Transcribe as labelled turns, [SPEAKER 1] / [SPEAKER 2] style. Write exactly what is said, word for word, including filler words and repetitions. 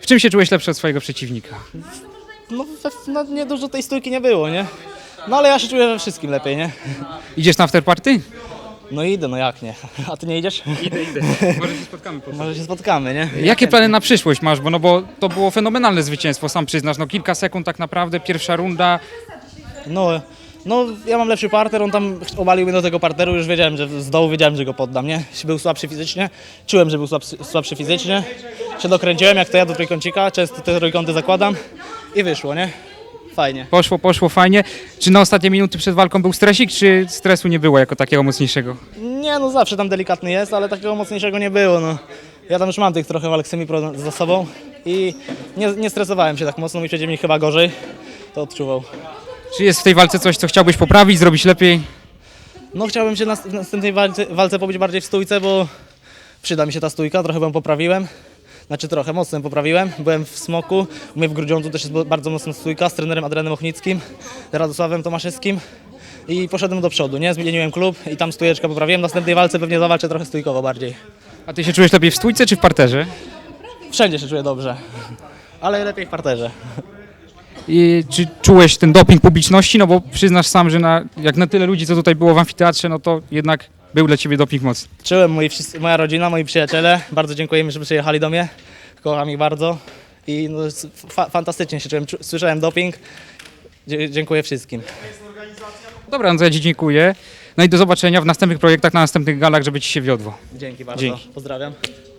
[SPEAKER 1] W czym się czułeś lepszy od swojego przeciwnika?
[SPEAKER 2] No, we- no nie dużo tej stójki nie było, nie? No ale ja się czuję we wszystkim lepiej, nie?
[SPEAKER 1] Idziesz na afterparty?
[SPEAKER 2] No idę, no jak nie? A ty nie idziesz?
[SPEAKER 1] Idę, idę. Może się spotkamy po
[SPEAKER 2] Może się spotkamy, nie?
[SPEAKER 1] Jakie plany na przyszłość masz? Bo, no bo to było fenomenalne zwycięstwo, sam przyznasz. No kilka sekund tak naprawdę, pierwsza runda.
[SPEAKER 2] No, no ja mam lepszy parter, on tam obalił mnie do tego parteru, już wiedziałem, że z dołu wiedziałem, że go poddam, nie? Był słabszy fizycznie, czułem, że był słabszy, słabszy fizycznie, się dokręciłem, jak to ja do trójkącika, często te trójkąty zakładam i wyszło, nie? Fajnie.
[SPEAKER 1] Poszło, poszło fajnie. Czy na ostatnie minuty przed walką był stresik, czy stresu nie było jako takiego mocniejszego?
[SPEAKER 2] Nie, no zawsze tam delikatny jest, ale takiego mocniejszego nie było, no. Ja tam już mam tych trochę walk semi-pro za sobą i nie, nie stresowałem się tak mocno, mój przeciwnik chyba gorzej to odczuwał.
[SPEAKER 1] Czy jest w tej walce coś, co chciałbyś poprawić, zrobić lepiej?
[SPEAKER 2] No chciałbym się na w następnej walce, walce pobić bardziej w stójce, bo przyda mi się ta stójka, trochę ją poprawiłem. Znaczy trochę, mocno ją poprawiłem. Byłem w Smoku, u mnie w Grudziądzu też jest bardzo mocna stójka z trenerem Adrianem Ochnickim, Radosławem Tomaszewskim i poszedłem do przodu, nie? Zmieniłem klub i tam stójeczkę poprawiłem. W następnej walce pewnie zawalczę trochę stójkowo bardziej.
[SPEAKER 1] A ty się czujesz lepiej w stójce, czy w parterze?
[SPEAKER 2] Wszędzie się czuję dobrze, ale lepiej w parterze.
[SPEAKER 1] I czy czułeś ten doping publiczności? No bo przyznasz sam, że na, jak na tyle ludzi, co tutaj było w amfiteatrze, no to jednak był dla ciebie doping mocny.
[SPEAKER 2] Czułem, moi, wszyscy- moja rodzina, moi przyjaciele, bardzo dziękujemy, że przyjechali do mnie, kocham ich bardzo i no, fa fantastycznie się czułem, Czu- słyszałem doping, Dzie dziękuję wszystkim.
[SPEAKER 1] Dobra, no to ja ci dziękuję. No i do zobaczenia w następnych projektach, na następnych galach, żeby ci się wiodło.
[SPEAKER 2] Dzięki bardzo,
[SPEAKER 1] Dzięki.
[SPEAKER 2] pozdrawiam.